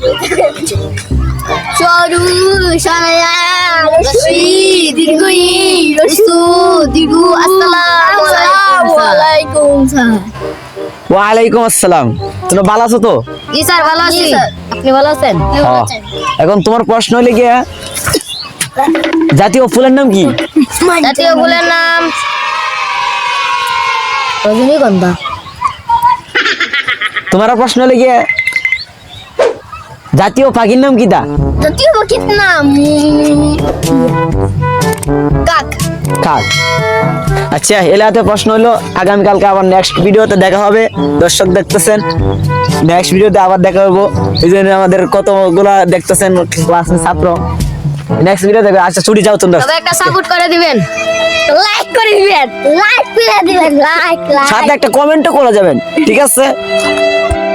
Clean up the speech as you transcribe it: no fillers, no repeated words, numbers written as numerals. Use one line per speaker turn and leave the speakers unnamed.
সরু সায়া রশি দীর্ঘই রসু দীর্ঘ আসসালামু আলাইকুম স্যার।
ওয়ালাইকুম আসসালাম। তুমি ভালো আছো তো?
জি স্যার ভালো আছি। আপনি ভালো আছেন?
এখন তোমার প্রশ্ন হলে গিয়া জাতীয় ফুলের নাম কি?
জাতীয় ফুলের নাম রজনীগন্ধা।
তোমার প্রশ্ন হলে গিয়া জাতীয় পাখির নাম কি তা?
জাতীয় পাখির নাম কাক।
কাক। আচ্ছা এলাতে প্রশ্ন হলো আগামীকালকে আবার নেক্সট ভিডিওতে দেখা হবে। দর্শক দেখতেছেন, নেক্সট ভিডিওতে আবার দেখা হবো। এই জন্য আমাদের কতগুলা দেখতেছেন ক্লাসের ছাত্র। নেক্সট ভিডিও দেখবে। আচ্ছা ছুটি যাও তোমরা।
তবে একটা সাপোর্ট করে দিবেন, লাইক করে দিবেন, লাইক করে দিবেন, লাইক
সাথে একটা কমেন্টও করে যাবেন, ঠিক আছে?